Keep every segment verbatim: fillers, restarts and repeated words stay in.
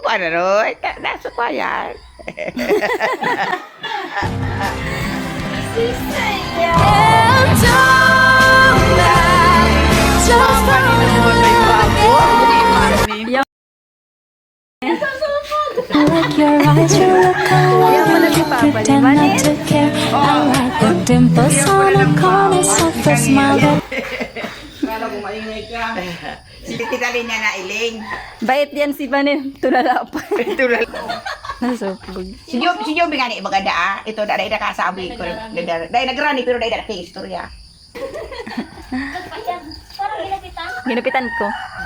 Ano rin? Nasa ko yan. I like your eyes, you look away, pretend not to care. I like the dimples on the corners of your smile. Kita rin niya na iling. Bait yan si Banin. Tulala pa. Tulad. Nasupog. Si Job, si Job nga ni maganda ah. Ito dahil na kasabi ko. Dahil nagrani pero dahil na kay istorya. Ginupitan ko.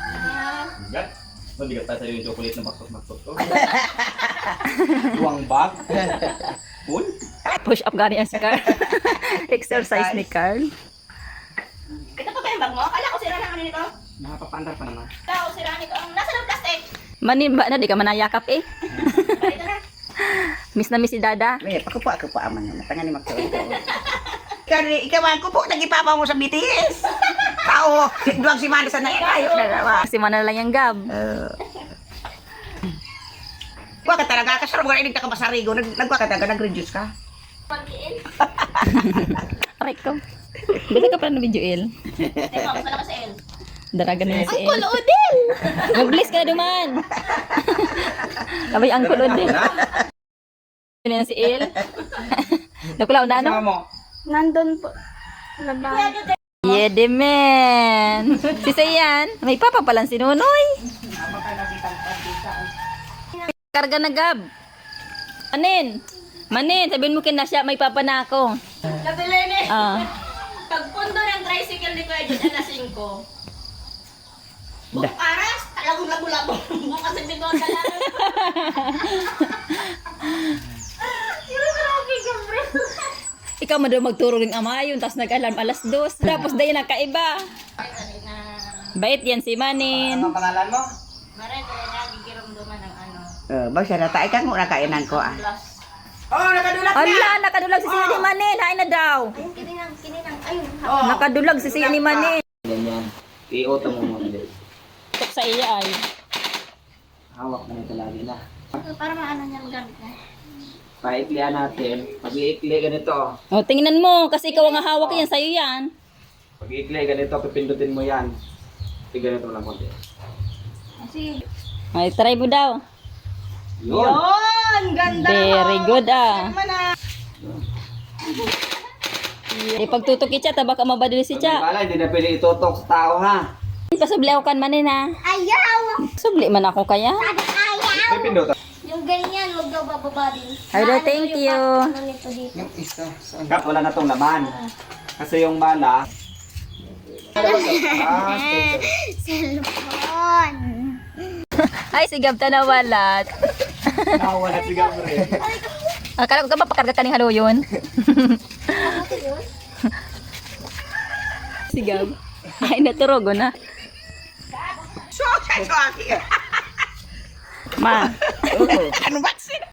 Hindi ka tayo yung chocolate na maksot-maksot ko. Tuwang bag. Full. Push up gani ang si Carl. Exercise ni Carl. Ito pa ba yung bag mo? Kala ko sira lang ano nito. Nakapapandar pa naman. Ikaw, sira nito. Ang nasa ng plastic. Manimba na, di ka manayakap eh. Ito na. Miss na miss si Dada. May pakupo ako po aman na matangan ni magtuon ko. Kani ikaw ang kupo nagipapa mo sa B T S. Tao, duwag si Manda sa nakayo na nawa. Kasi mana lang yung gab. Kuha ka talaga, kasarap ka inig ka masarigo, nagkuha ka talaga, nag-reduce ka. Pagkiin. Aray ko. Bita ka pala na video El. Teka, mas malakas sa L. Daragan na si El. Uncle Odel! Mag-bless ka na duman. Abay, Uncle Odin. Yun na si El. Nakulaw na ano? Nandun po. Labang. Yede men. Si Sayan. May papa palang si Nunoy. Karga na gab. Manin. Manin, sabihin mo kina siya, may papa na ako. Nabilin eh. Ah. Pagpundo ng tricycle ni Kuya Jun, alas singko. Bukong aras, talagang labo-labo. Bukas ang bigotan lang. Ikaw mo daw magturo ng amayon, tapos nag-alarm alas dos. Tapos dahil nakaiba. Bait yan si Manin. Anong pangalan mo? Maray, kaya nagigiramdaman ng ano. Uh, ba siya natay ka mo nakainan ko ah. Plus. Oh, nakadulat na! Ala, nakadulag si Siya ni Manin. Hain na daw. Ayun, kininang, kininang. Ayun. Oh. Nakadulag si Siya ni Manin. Ganyan. I-auto mo mo din. Tok sa iya ay. Hawak na ito lagi na. Para maano niya magamit na. Paiklihan natin. Pag iikli ganito. O, tingnan mo, kasi ikaw ang hawak yan, sa'yo yan. Pag iikli ganito, pipindutin mo yan. Pag ganito lang konti. Kasi, Ay, try mo daw. Yun! yun! Ganda! Very good ah. Eh, pagtutok siya, tabak ka mabadali si Pag may siya. bala, hindi na pwede itutok sa tao ha. Pasubli ako kan Manin ha. Ayaw! Subli man ako kaya. May pindutan. Yung ganyan, huwag daw bababa din. Ay, daw, thank you. Ano nito dito? Kap, wala na tong laman. Kasi yung bala. Ah, Cellphone! Ay, si Gab ta nawalat. nawala si Gabriel. Akala ko ka ba pakarga ka ng halo yun? Si Gab. Ay, naturogo na. So, so, so, Ma. ano ba?